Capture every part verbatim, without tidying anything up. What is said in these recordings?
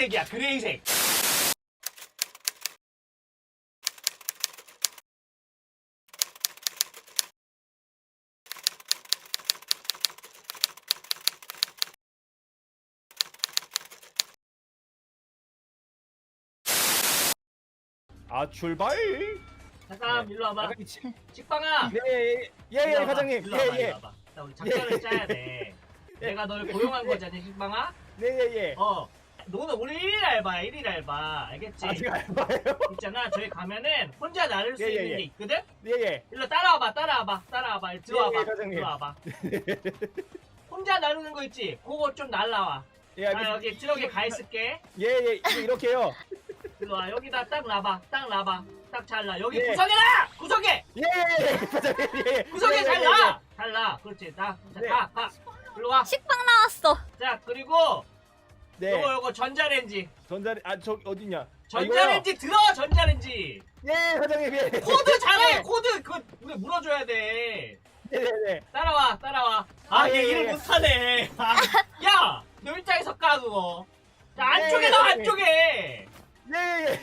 그레이색이야 그레이색. 아 출발. 잠깐 네. 일로 와봐. 약간 이 치- 식빵아. 네, 예예 일로 와봐, 과장님. 일로 와봐, 일로 예예. 와봐. 자 우리 작전을 짜야 돼. 내가 널 고용한 거잖니 식빵아. 네예예. 어. 너는 우리 일일 알바야 일일 알바 알겠지? 아직 알바예요? 있잖아 저희 가면은 혼자 나를 수 예, 예, 있는 예. 게 있거든? 예예. 일로 따라와봐 따라와봐 따라와봐 일로 들어와봐 예, 예, 과장님. 들어와봐. 혼자 나르는 거 있지? 그거 좀 날라와. 예 아 알겠습니다. 여기 트럭에 가 있을게. 예예 이거 이렇게요. 일로 와 여기다 딱 놔봐 딱 놔봐 딱 잘라 여기 예. 구석에 놔! 구석에! 예예예 과장님 예. 구석에 예, 예, 잘 예, 놔! 잘 놔! 그렇지 나, 자, 네. 가! 가! 일로 와. 식빵 나왔어. 자 그리고 네. 요거 요거 전자레인지 전자레 아저 어디냐? 전자레인지 들어 전자레인지 예 과장님 예. 코드 잘해 코드 그거 우리 물어줘야 돼. 네네네. 따라와 따라와. 아 얘 예, 예, 일을 예. 못하네. 아, 야! 너 일자에서 까 그거. 자 안쪽에 예, 넣어 예. 안쪽에. 예예.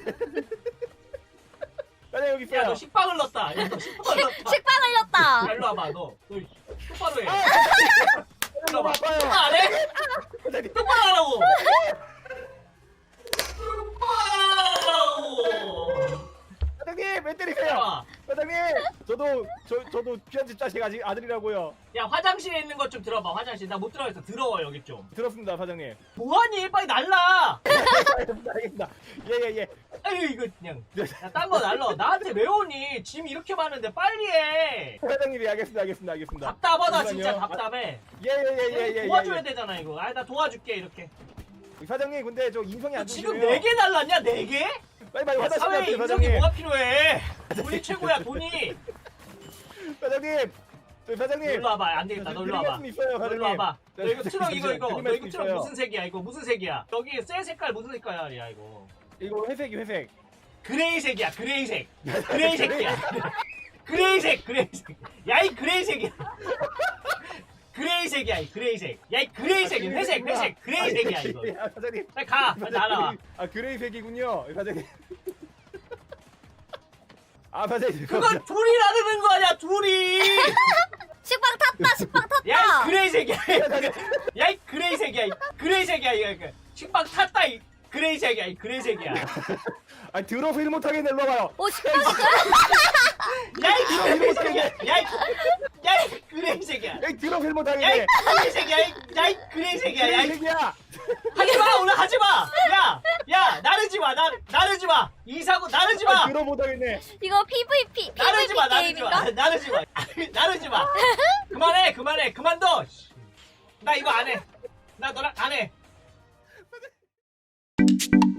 과장님 여기 있어요. 야 너 식빵을 넣었다. 야 너 식빵을 넣었다. 식빵 야 흘렸다. 일로 와봐 너. 너 똑바로 해. 아, 일로 너무 와봐. 아파요. 아, 안 해? 과장님. 똑바로 하라고. 똑바로. 과장님 왜 때리세요? 따라와. 과장님 저도 저 저도 귀한 집 자식 아직 아들이라고요. 야 화장실에 있는 것 좀 들어봐. 화장실 나 못 들어가서 더러워 여기 좀. 들었습니다 과장님. 뭐하니 빨리 날라. 알겠습니다 알겠습니다. 예예예. 아유 이거 그냥. 야딴 거 날라. 나한테 왜 오니? 짐 이렇게 많은데 빨리 해. 과장님이 알겠습니다 알겠습니다 알겠습니다. 답답하다 진짜 잠시만요. 답답해. 예예예예예. 도와줘야 되잖아 이거. 아 나 도와줄게 이렇게. 사장님 근데 저 인성이 너 안 지금 좋으시네요. 네 개 날랐냐 네 개? 빨리 빨리 화장실 사회에 가세요 인성이 사장님. 뭐가 필요해? 돈이 최고야 돈이. 사장님. 저 사장님. 일로 와봐 안 되겠다. 너 일로 와봐. 말씀 있어요 너 과장님. 일로 와봐. 너 이거 네, 트럭 이거 이거 드릴 너 이거 말씀 트럭 있어요. 무슨 색이야 이거 무슨 색이야? 여기 쇠 색깔 무슨 색깔이야 이거? 이거 회색이 회색. 그레이색이야 그레이색. 그레이색이야. 그레이색 그레이색. 야 이 그레이색이야. 그레이색이야 이 그레이색. 야 이 그레이색 회색 회색 그레이색이야 이거. 아, 사장님. 빨리 가 빨리 날아와. 아 그레이색이군요 사장님. 아 사장님. 그건 둘이 나르는 거 아니야 둘이. 식빵 탔다. 식빵 탔다. 야 이 그레이색이야. 야 이 그레이색이야 이 그레이색이야 이거. 식빵 탔다 이 그레이색이야 이 그레이색이야. 아 들어서 일 못하겠네 일로 와봐요. 오 식빵이 야 이 그레이색이야. 야이 야이 그레이색이야. 여기 들어서 일 야이 못하겠네. 그레이색이야. 야이 그레이색이야. 야이 그레이색이야. 하지 마 오늘 하지 마. 야, 야 나르지 마. 나 나르지 마. 이사고 나르지 아 마. 들어 못하겠네. 이거 피브이피 나르지 마. 피브이피 나르지 마. 게임인가? 나르지 마. 나르지 마. 그만해. 그만해. 그만둬. 나 이거 안 해. 나 너랑 안 해.